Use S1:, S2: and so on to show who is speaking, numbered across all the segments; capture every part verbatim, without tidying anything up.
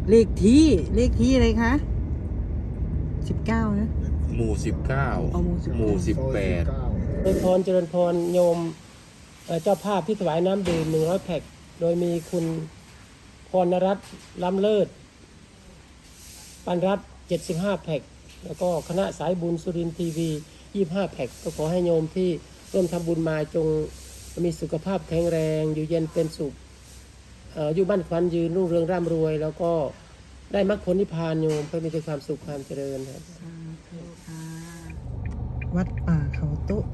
S1: เลขที่เลขที่อะไรคะสิบเก้านะ
S2: หมู่สิบเก้า
S1: เอาหมู่สิบเก้า
S2: หมู่สิบแปด
S3: เจริญพรเจริญพรโยมเอ่อเจ้าภาพที่ถวายน้ำดื่มหนึ่งร้อยแพ็คโดยมีคุณพรณรัตน์ล้ำเลิศปันรัตน์เจ็ดสิบห้าแพ็คแล้วก็คณะสายบุญสุรินทร์ทีวียี่สิบห้าแพ็คก็ขอให้โยมที่ร่วมทำบุญมาจงมีสุขภาพแข็งแรงอยู่เย็นเป็นสุขเอ่ออยู่บ้านควันยืนรุ่งเรืองร่ำรวย แล้วก็ได้มรรคผลนิพพานโยมเพื่อมีแต่ความสุขความเจริญครับ
S1: สาธุค่ะวัดป่าเขาโต๊ะ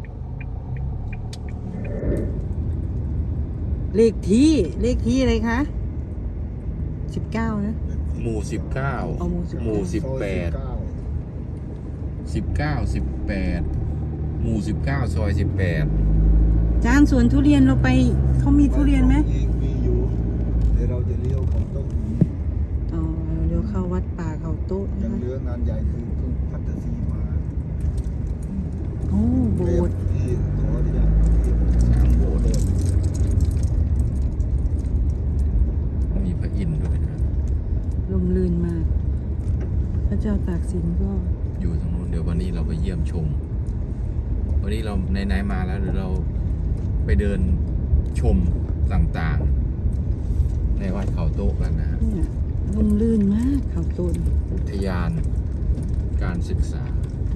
S1: เลขที่เลขที่อะไรคะสิบเก้านะ
S2: หมู่สิบเก้า
S1: เอาหมู่สิบเก้า
S2: หมู่สิบแปดสิบเก้าสิบแปดหมู่สิบเก้าซอยสิบแปด
S1: จานสวนทุเรียนเราไปเขามีทุเรียนไหม
S4: มีอยู่เดี๋ยวเราจะเลี้ยวของต้นนี้
S1: อ๋อเดี๋ยวเข้าวัดป่าเขาโต๊ะ
S4: ยั
S1: นะ
S4: ง
S1: คะ
S4: เหลืองานใหญ่คือเพิ่งพัฒสีมา
S1: โอ้โบสถ์
S4: ที่ขออนุญาตที่
S2: สามโบสถ์
S4: เดิม
S2: มีพระอินทร์ด้วยนะ
S1: ลมลื่นมาก พระเจ้าตากสินก็
S2: อยู่ตรงนู้นเดี๋ยววันนี้เราไปเยี่ยมชม วันนี้เราไหนๆมาแล้วเดี๋ยวเราไปเดินชมต่างๆ ในวัดเขาโต๊ะกันนะฮะ
S1: เนี่ยลมลื่นมากเขาโต้น
S2: อุทยานการศึกษา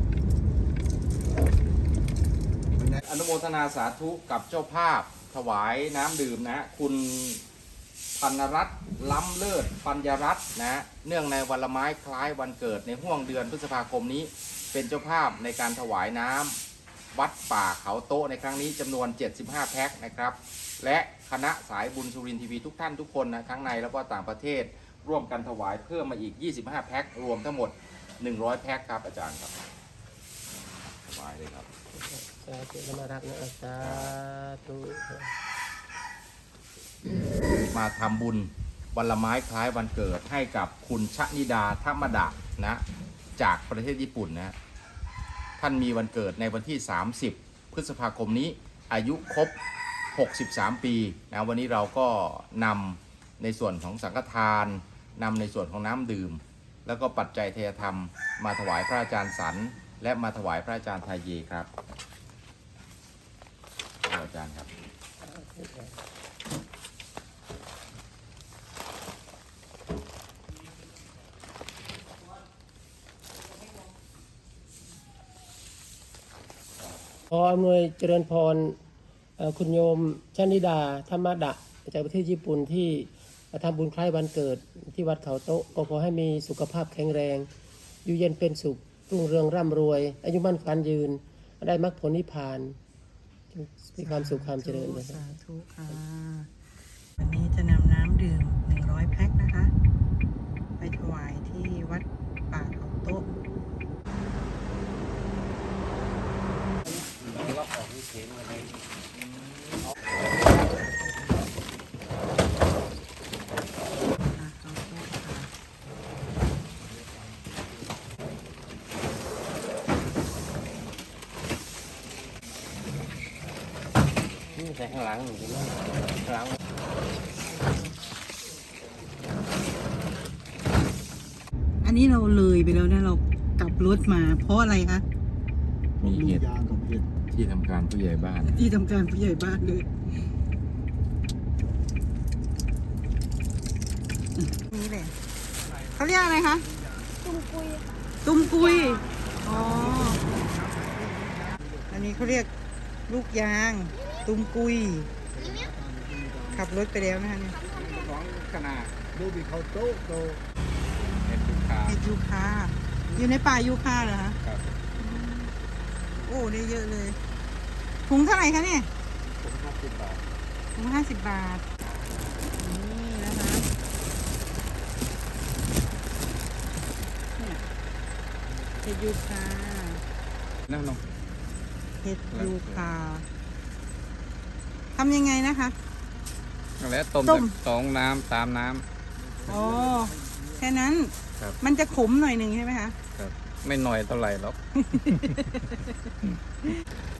S2: อนุโมทนาสาธุกับเจ้าภาพถวายน้ำดื่มนะคุณพันรัตน์ล้ำเลิศปัญญรัตน์นะเนื่องในวันละไม้คล้ายวันเกิดในห่วงเดือนพฤษภาคมนี้ เป็นเจ้าภาพในการถวายน้ำวัดป่าเขาโต๊ะในครั้งนี้จำนวนเจ็ดสิบห้าแพ็คนะครับและคณะสายบุญสุรินทร์ทีวีทุกท่านทุกคนนะทั้งในแล้วก็ต่างประเทศร่วมกันถวายเพิ่มมาอีกยี่สิบห้าแพ็ครวมทั้งหมดหนึ่งร้อยแพ็คครับอาจารย์ครับถวายเลยครับ
S3: สาธุธรรมรักนะสาธุ
S2: มาทำบุญวันละไม้คล้ายวันเกิดให้กับคุณชนิดาธรรมดานะจากประเทศญี่ปุ่นนะท่านมีวันเกิดในวันที่สามสิบพฤษภาคมนี้อายุครบหกสิบสามปีนะวันนี้เราก็นำในส่วนของสังฆทานนำในส่วนของน้ำดื่ม แล้วก็ปัจจัยเทยธรรมมาถวายพระอาจารย์สันและมาถวายพระอาจารย์ไทยเยครับอาจารย์ครับ
S3: ขออำนวยเจริญพรเอ่อคุณโยมชนิดาธรรมดะจากประเทศญี่ปุ่นที่ทำบุญคล้ายวันเกิดที่วัดเขาโต๊ะก็ขอให้มีสุขภาพแข็งแรง อยู่เย็นเป็นสุขรุ่งเรืองร่ำรวย อายุมั่นขวัญยืน ได้มรรคผลนิพพานมีความสุขความเจริญนะครับ
S1: สาธุค่ะ วันนี้จะนำน้ำดื่มหนึ่งร้อยแพ็คนะคะ ไปถวายที่วัดป่าเขาโต๊ะอ่ะเขาโต๊ะค่ะ
S3: นี่ใส่ข้างหลังหนูข้างหลัง
S1: อันนี้เราเลยไปแล้วนะเรากลับรถมาเพราะอะไรคะ
S2: มีเหตุ
S4: ยางกับเห็ด
S2: ที่ทำการผู้ใหญ่บ้าน
S1: ที่ทำการผู้ใหญ่บ้านเลยนี่เลยเขาเรียกอะไรคะ ตุ้มกุย ตุ้มกุย อ๋อ อันนี้เขาเรียกลูกยาง ตุ้มกุย ขับรถไปแล้วนะคะเนี่ย
S2: ของขนาด
S4: ดูบิเขาโต๊ะโต
S2: เห็ดลูกค้า
S1: เห็ดยูคา อยู่ในป่ายูคาเหรอคะ
S2: ครับ
S1: โอ้ได้เยอะเลย ถุงเท่าไหร่คะเนี่ย
S2: ผมห้าสิบบาท
S1: ถุงห้าสิบบาท นี่นะคะเนี่ยเห็ดยูคา
S2: นั่งลง
S1: เห็ดยูคาทำยังไงนะคะ
S5: แล้วต้ม
S1: ต้ม
S5: สองน้ำสามน้
S1: อ๋อ แค่นั้น
S5: ครับ
S1: มันจะขมหน่อยหนึ่งใช่ไหมคะ
S5: ำครับไม่หน่อยเท่าไหร่หรอก